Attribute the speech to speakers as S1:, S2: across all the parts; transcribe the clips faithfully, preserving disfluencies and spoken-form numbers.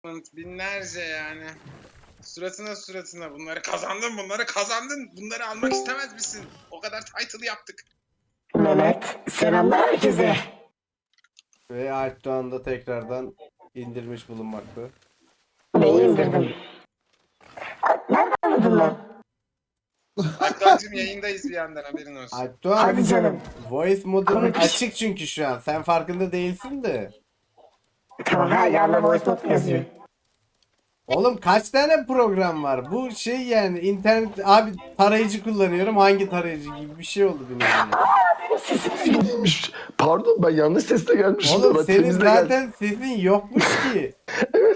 S1: Binlerce yani. Suratına suratına bunları kazandın, bunları kazandın. Bunları almak istemez misin? O kadar title yaptık.
S2: Mehmet, selamlar herkese.
S3: Ve Alp Doğan da tekrardan indirmiş bulunmakta.
S2: Neyi indirdim? Nereden anladın lan?
S1: Alptancığım yayındayız bir yandan, haberin olsun.
S3: Alp Doğan,
S2: Hadi canım.
S3: voice modunun
S2: Konuş.
S3: açık çünkü şu an. Sen farkında değilsin de.
S2: Tamam ha, yanına voice note yazıyor.
S3: Oğlum kaç tane program var? Bu şey yani internet abi tarayıcı kullanıyorum. Hangi tarayıcı gibi bir şey oldu benim yani.
S4: Değilmiş. Pardon, ben yanlış sesle gelmişim.
S3: Oğlum
S4: Ben
S3: senin
S4: temizle
S3: zaten sesin yokmuş ki.
S4: geldim.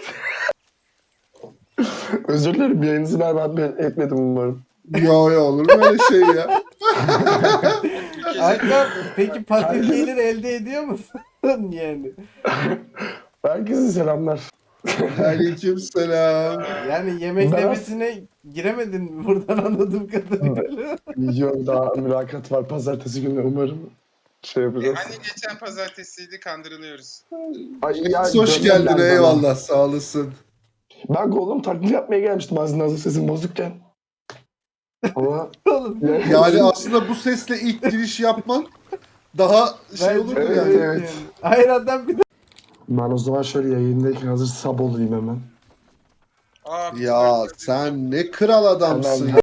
S4: Özür dilerim, yayınınızı berbat etmedim umarım.
S5: Yo yo, olur mu öyle şey ya?
S3: Alp Doğan, peki pasif gelir elde ediyor musun? yani.
S4: Herkese selamlar.
S5: Aleyküm selam.
S3: Yani yemek
S4: Ben-
S3: sepetine giremedin mi buradan anladığım kadarıyla?
S4: Yok, daha mülakat var pazartesi günü, umarım şey yapacağız.
S1: Hani geçen pazartesiydi, kandırılıyoruz.
S4: Ay, ya,
S5: Hoş
S4: dönem
S5: geldin,
S4: geldi
S5: eyvallah, sağ olasın.
S4: bana. Ben Gollum taklidi yapmaya gelmiştim aslında, hazır sesim bozukken. Ama
S3: Oğlum,
S5: Yani aslında bu sesle ilk giriş yapman daha şey
S3: bence
S5: olur
S3: de
S4: Evet,
S5: yani.
S3: evet
S4: evet.
S3: yani. Hayır adam bir de
S4: ben o zaman şöyle yayındayken hazır sab olayım hemen.
S1: Aa, biz
S5: Ya
S1: dört-
S5: sen ne kral adamsın.
S4: Hemen